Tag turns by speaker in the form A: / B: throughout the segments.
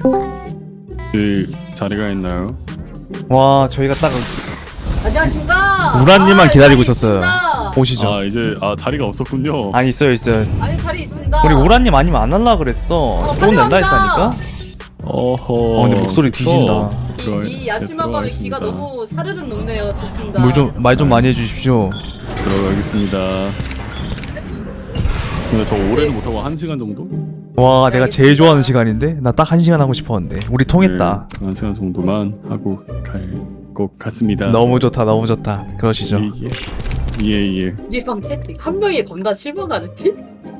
A: 그 자리가 있나요?
B: 와 저희가 딱
C: 안녕하십니까.
B: 우라님만 기다리고
C: 자리
B: 있었어요.
C: 있습니다.
B: 오시죠.
A: 아 이제 자리가 없었군요.
B: 아니 있어요.
C: 아니 자리 있습니다.
B: 우리 우라님 아니면 안 할라 그랬어. 조금
C: 빨리
B: 낸다
C: 합니다.
B: 했다니까.
A: 어허.
B: 근데 목소리 뒤진다.
C: 이 야심한 밤에 기가 너무 사르르 녹네요. 좋습니다.
B: 말 좀 많이 해주십시오.
A: 들어가겠습니다. 근데 저 오래는 못하고 1시간 정도?
B: 와 내가 제일 좋아하는 시간인데 나 딱 1시간 하고 싶었는데 우리 통했다.
A: 네, 1시간 정도만 하고 갈 것 같습니다.
B: 너무 좋다. 그러시죠.
A: 예.
C: 리방 채팅 한 명이 겁나 실망하는 팀?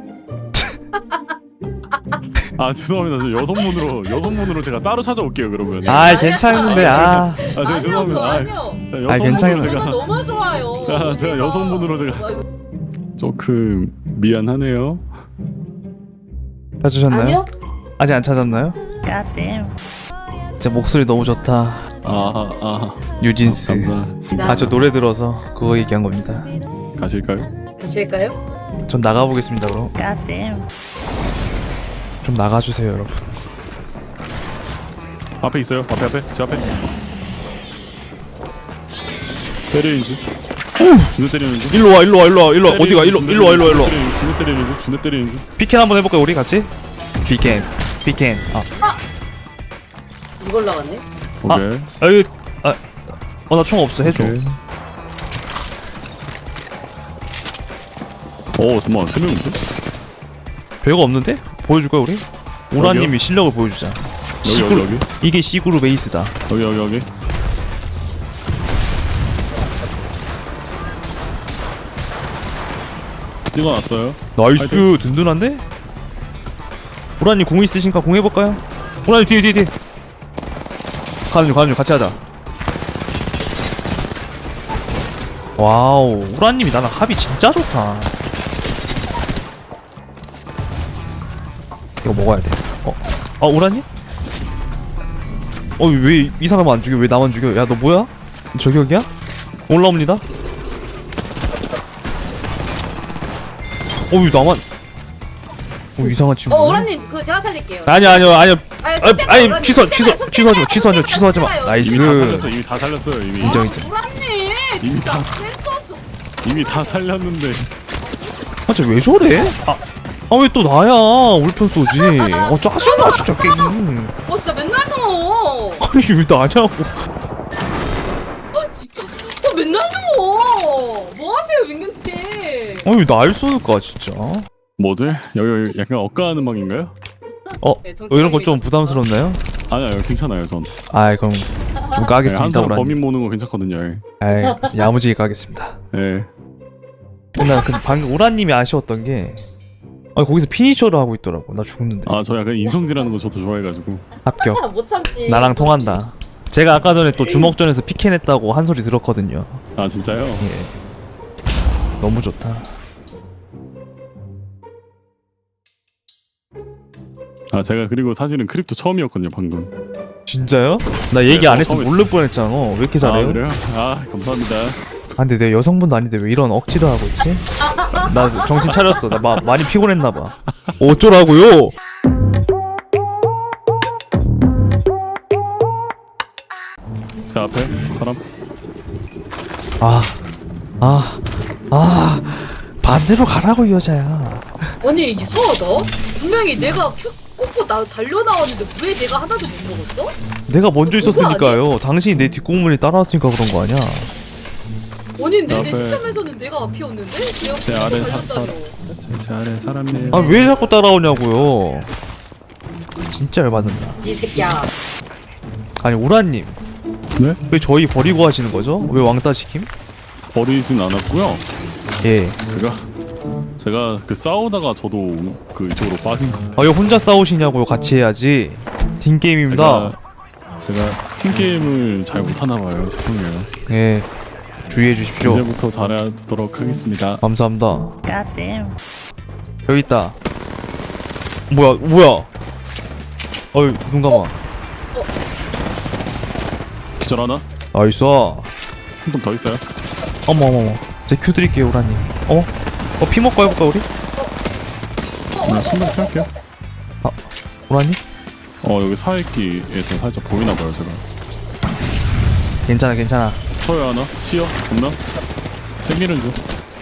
A: 아 죄송합니다. 저 여성분으로 제가 따로 찾아올게요 그러면.
B: 아 괜찮은데 아.
A: 제가
C: 아니요
A: 죄송합니다.
C: 저 아니요.
B: 아, 괜찮아요.
A: 제가
C: 저는 너무 좋아요.
A: 제가 여성분으로 제가
C: 아이고,
A: 조금 미안하네요.
B: 찾으셨나요?
C: 아니요?
B: 아직 안 찾았나요? 진짜 목소리 너무 좋다. 유진스.
A: 감사합니다.
B: 아 저 노래 들어서 그거 얘기한 겁니다.
A: 가실까요?
C: 가실까요?
B: 전 나가보겠습니다 그럼. 좀 나가주세요 여러분.
A: 앞에 있어요. 앞에 제 앞에. 때리는 중. 준우 때리는 중.
B: 일로 와 어디가 일로 와.
A: 준우 때리는 중.
B: 피켄 한번 해볼까요 우리 같이? 피켄
C: 이걸 나왔네.
A: 오케이.
B: 나 총 없어 해줘.
A: 잠깐만 3명인데?
B: 별거 없는데? 보여줄까 우리? 우라님이 실력을 보여주자.
A: 여기.
B: 이게 C그룹 에이스다.
A: 여기. 찍어놨어요.
B: 나이스
A: 파이팅.
B: 든든한데? 우라님 궁 있으신가 궁 해볼까요? 우라님 뒤에 가는 중 같이 하자. 와우 우라님이 나랑 합이 진짜 좋다. 이거 먹어야 돼. 우라님? 왜 이 사람 안 죽여? 왜 나만 죽여? 야 너 뭐야? 저격이야? 올라옵니다. 왜 나만? 이상한 친구.
C: 오라님 그거 제가 살릴게요.
B: 아니요. 아니 취소하지 마.
A: 이미
B: 나이스.
A: 다 살렸어요. 이미.
B: 인정.
C: 오라님
A: 이미
C: 진짜
A: 다-
C: 센스 없어.
A: 이미 다 살렸는데.
B: 쟤왜 저래? 왜 또 나야? 울편 쏘지. 짜증나 진짜 게임.
C: 진짜 맨날 넣어.
B: 아니 왜 나냐고.
C: 진짜 맨날 넣어. 뭐 하세요 민경팀?
B: 왜 날 쏠까 진짜.
A: 뭐지? 여기 약간 억까하는 방인가요?
C: 네,
B: 이런 거 좀 부담스럽나요?
A: 아니요 괜찮아요 전.
B: 그럼 좀
A: 한
B: 까겠습니다
A: 사람
B: 우라님.
A: 범인 모는 거 괜찮거든요.
B: 야무지게 까겠습니다.
A: 예.
B: 나 방금 우라님이 아쉬웠던 게 거기서 피니셔를 하고 있더라고. 나 죽는데.
A: 저 약간 인성질하는 거 저도 좋아해가지고.
B: 합격.
C: 못 참지.
B: 나랑 통한다. 제가 아까 전에 또 주먹전에서 피켄했다고 한 소리 들었거든요.
A: 진짜요?
B: 예. 너무 좋다.
A: 제가 그리고 사실은 크립토 처음이었거든요 방금.
B: 진짜요? 나 얘기 안 했으면
A: 처음
B: 모를 뻔했잖아. 왜 이렇게 잘해요?
A: 그래요? 감사합니다.
B: 근데 내가 여성분도 아닌데 왜 이런 억지를 하고 있지? 나 정신 차렸어. 나 많이 피곤했나봐. 어쩌라고요?
A: 제 앞에 사람.
B: 반대로 가라고 이 여자야.
C: 아니 이상하다. 분명히 내가 큐 꽂고 달려 나왔는데 왜 내가 하나도 못 먹었어?
B: 내가 먼저 있었으니까요. 당신이 내 뒷공문에 따라왔으니까 그런 거 아니야?
C: 아니 내
A: 앞에-
C: 시점에서는 내가 앞이었는데?
A: 제 아래
C: 달렸다며.
A: 제 아래 사람이에요.
B: 왜 자꾸 따라오냐고요? 진짜 열받는다.
C: 이 새끼야.
B: 아니 우라님
A: 네?
B: 왜 저희 버리고 하시는 거죠? 왜 왕따 시킴?
A: 버리진 않았고요.
B: 예.
A: 제가 그 싸우다가 저도 그 이쪽으로 빠진 거.
B: 왜 혼자 싸우시냐고요? 같이 해야지. 팀 게임입니다.
A: 제가 팀 게임을 잘 못하나 봐요. 죄송해요.
B: 예. 주의해 주십시오.
A: 이제부터 잘하도록 하겠습니다.
B: 감사합니다. 여기 있다. 뭐야? 눈 감아.
A: 기절 하나?
B: 나이스.
A: 한 번 더 있어요?
B: 어머. 제 큐 드릴게요, 우라님. 피 먹고 해볼까 우리?
A: 네, 신경 할게요.
B: 우라님?
A: 여기 사이끼에서 살짝 보이나봐요 제가.
B: 괜찮아 괜찮아.
A: 쳐요 하나? 치어? 겁나? 생기는 중.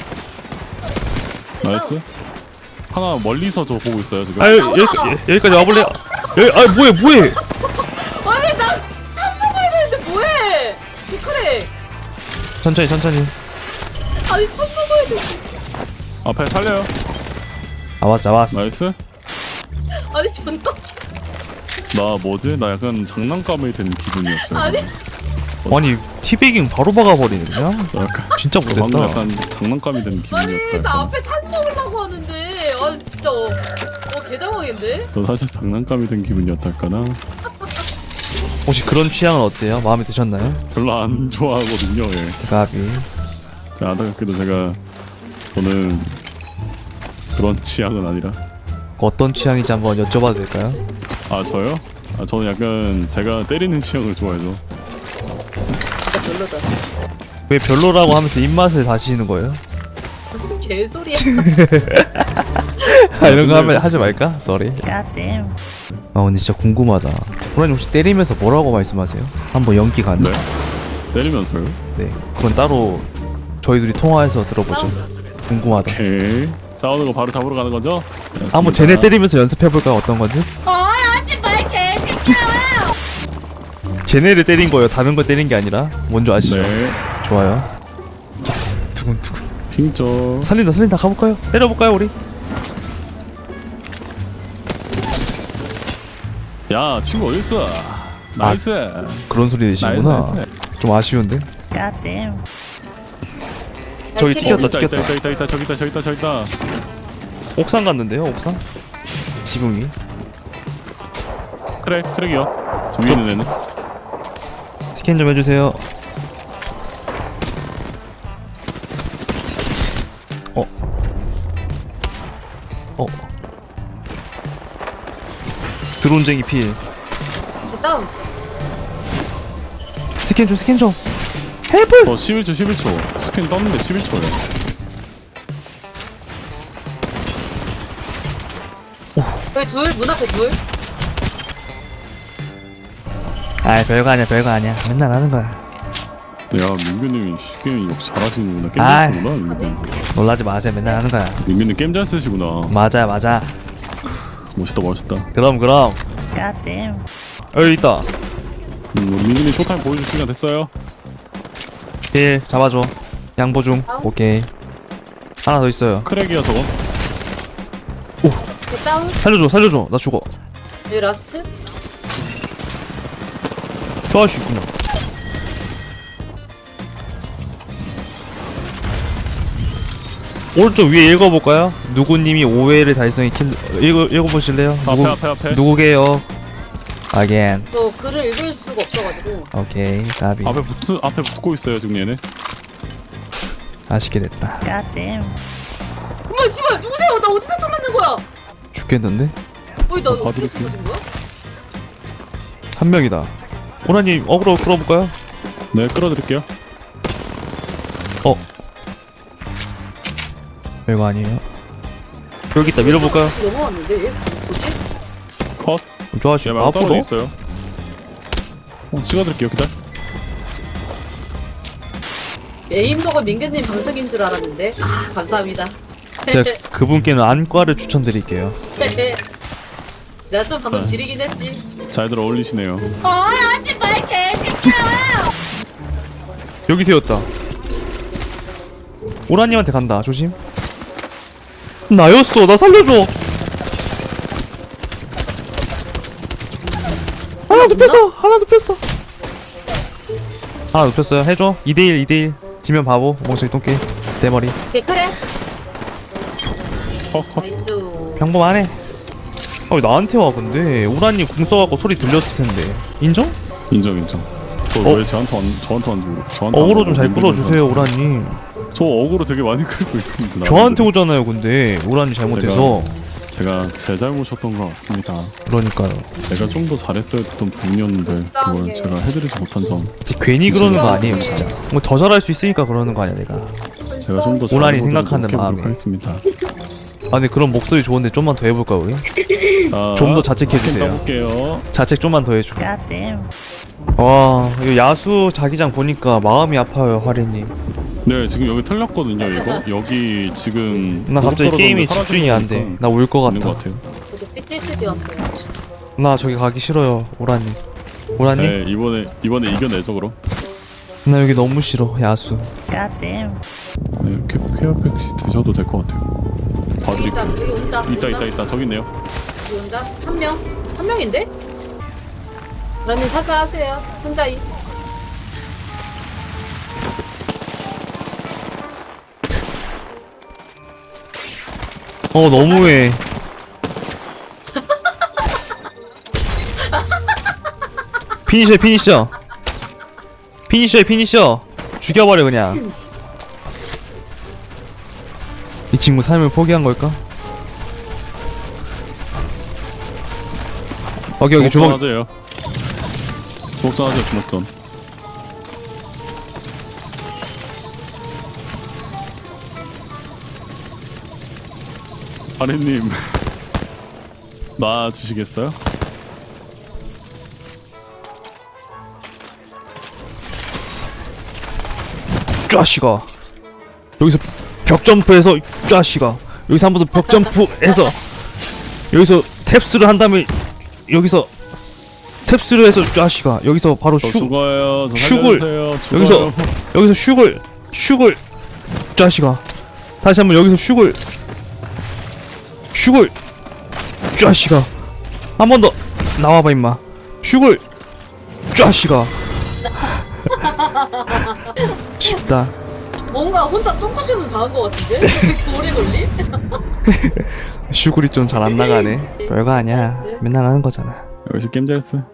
A: 나이스. 하나 멀리서 저 보고 있어요 지금.
B: 아유 여기까지 와볼래요? 여기 아 뭐해
C: 아니 나 탐먹어야 되는데 뭐해? 그래.
B: 천천히
C: 아니 탐먹어야 돼.
A: 앞에 살려요.
B: 왔어
A: 나이스.
C: 아니 전도
A: 나 뭐지? 나 약간 장난감이 된 기분이었어요.
C: 아니
B: 아니 티베깅 바로 박아버리네 그냥.
A: 약간
B: 진짜
A: 방금
B: 못했다.
A: 약간 장난감이 된
C: 아니
A: 기분이었다.
C: 나
A: 약간.
C: 앞에 탄 먹으려고 하는데 아니 진짜 개당황인데?
A: 저 사실 장난감이 된 기분이었달까나.
B: 혹시 그런 취향은 어때요? 마음에 드셨나요?
A: 별로 안 좋아하거든요. 예.
B: 가비.
A: 안타깝게도 제가 저는 그런 취향은 아니라.
B: 어떤 취향인지 한번 여쭤봐도 될까요?
A: 아 저요? 아 저는 약간 제가 때리는 취향을 좋아해서.
C: 진짜 별로다.
B: 왜 별로라고 하면서 입맛을 다시는 거예요?
C: 개소리야.
B: 아, 이런 거 하면 하지 말까? 쏘리. 아 근데 진짜 궁금하다. 호라님 혹시 때리면서 뭐라고 말씀하세요? 한번 연기 가능?
A: 네. 때리면서요?
B: 네. 그건 따로 저희 둘이 통화해서 들어보죠. 궁금하다.
A: 오케이. 싸우는 거 바로 잡으러 가는 거죠?
B: 한번 쟤네 때리면서 연습해볼까요? 어떤 건지?
C: 하지 마 개새끼야.
B: 쟤네를 때린 거예요. 다른 걸 때린 게 아니라. 뭔지 아시죠?
A: 네.
B: 좋아요. 두근두근.
A: 핑저.
B: 살린다. 가볼까요? 때려볼까요, 우리?
A: 야 친구 어딨어? 나이스.
B: 그런 소리 내시구나.
A: 나이스.
B: 좀 아쉬운데? 저기 튀겼다.
A: 저기 있다.
B: 옥상 갔는데요, 옥상? 지붕 위.
A: 그래, 트랙이요. 저 위에 있는 애는.
B: 스캔 좀 해주세요. 드론쟁이 필.
C: 다운.
B: 스캔 좀. 헬프!
A: 11초. 스캔 떴는데 11초야.
C: 여기 둘, 문 앞에 둘.
B: 아이, 별거 아니야. 맨날 하는 거야.
A: 야, 민규님이 게임 역시 잘하시는구나. 게임
B: 아이.
A: 잘 쓰시구나, 민규님.
B: 놀라지 마세요. 맨날 하는 거야.
A: 민규님 게임 잘 쓰시구나.
B: 맞아.
A: 멋있다.
B: 그럼. 여기 있다.
A: 민규님 쇼타임 보여줄 시간 됐어요.
B: 필 잡아줘. 양보 중. 오케이. 하나 더 있어요.
A: 크랙이야, 저거.
C: 다운.
B: 살려줘. 나 죽어.
C: 여기 라스트.
B: 좋아할 수 있구나. 오른쪽 위에 읽어볼까요? 누구님이 오해를 달성이 읽어보실래요?
A: 앞에.
B: 누구게요? Again.
C: 저 글을 읽을 수가 없어가지고.
B: 오케이. 가비.
A: 앞에 붙고 있어요, 지금 얘네.
B: 아쉽게 됐다.
C: 어머 씨발 누구세요? 나 어디서 처음 만난 거야?
B: 죽겠는데?
C: 어이 나 어디서
A: 봐드릴게요.
C: 처음 만난 거야?
B: 한 명이다. 오라님 어그로 끌어볼까요?
A: 네, 끌어드릴게요.
B: 별거 아니에요. 여기 있다. 밀어볼까요?
C: 넘어왔는데 얘 뭐지?
A: 컷.
B: 좋아하시.
A: 얘 말고 떨어져
B: 아프도?
A: 있어요. 찍어드릴게요, 기다려.
C: 에임덕은 민규님 방송인 줄 알았는데 감사합니다.
B: 제가 그분께는 안과를 추천드릴게요.
C: 내가 좀 방금
A: 네.
C: 지리긴 했지.
A: 잘들 어울리시네요.
C: 하지 마 개새끼야.
B: 여기 세웠다. 오라님한테 간다. 조심. 나였어. 나 살려줘. 하나 눕혔어. 하나 눕혔어요. 해줘. 2대1. 지면 바보. 멍청이 똥개. 대머리.
C: 개크래.
A: 컷.
C: 나이스.
B: 평범하네. 왜 나한테 와 근데. 오라님 궁 써갖고 소리 들렸을 텐데. 인정?
A: 인정. 왜 저한테 안 주고?
B: 어그로 좀 잘 끌어주세요 오라님.
A: 저 어그로 되게 많이 끌고 있습니다.
B: 저한테 오잖아요 근데. 오라님 잘못해서.
A: 제가 제 잘못이었던 것 같습니다.
B: 그러니까요.
A: 제가 좀 더 잘했어야 했던 부분이었는데 그걸 제가 해드리지 못한 점.
B: 괜히 그러는 거 아니에요 진짜. 뭐 더 잘할 수 있으니까 그러는 거 아니야 내가.
A: 제가 좀 더
B: 오란이
A: 잘해보도록
B: 생각하는
A: 노력해보도록
B: 마음에.
A: 하겠습니다.
B: 아 근데 그런 목소리 좋은데 좀만 더 해볼까 우리? 좀 더 자책해주세요.
A: 볼게요.
B: 자책 좀만 더 해줘. 와 이거 야수 자기장 보니까 마음이 아파요 화리님.
A: 네, 지금 여기 틀렸거든요. 이거 여기 지금
B: 나 갑자기
A: 고속
B: 게임이
A: 떨어졌는데
B: 집중이 안 돼. 나 울 것
A: 있는 것
B: 같아.
A: 같아요.
C: 저도 PTSD 왔어요.
B: 나 저기 가기 싫어요 오라님. 오라님?
A: 네, 이번에 이겨내죠 그럼.
B: 나 여기 너무 싫어 야수.
A: 네, 이렇게 페어팩시 드셔도 될 것 같아요.
C: 여기 있다.
A: 봐드릴게요.
C: 여기 온다.
A: 있다 저기 있네요.
C: 여기 온다. 한 명. 한 명인데? 라님 살살하세요. 혼자이.
B: 너무해. 피니셔 죽여버려 그냥. 이 친구 삶을 포기한 걸까? 여기 주먹.
A: 하세요. 주먹전 하세요. 주먹전. 아래님 놔 주시겠어요?
B: 쫙시가 여기서 벽 점프해서 쫙시가 여기서 한 번 더 벽 점프해서 여기서 탭스를 한 다음에 여기서 탭스를 해서 쫙시가 여기서 바로
A: 저
B: 슉
A: 죽어요. 저
B: 슉을
A: 살려주세요.
B: 여기서
A: 죽어요.
B: 슉을 쫙시가 다시 한번 여기서 슉을 쫙시가 한 번 더 나와봐 임마 슉을 쫙시가 쉽다.
C: 뭔가 혼자 똥꼬시는 당한 것 같은데? 이렇게 오래 걸리?
B: 슈굴이 좀 잘 안 나가네. 별거 아니야. 맨날 하는 거잖아.
A: 역시 게임 잘했어.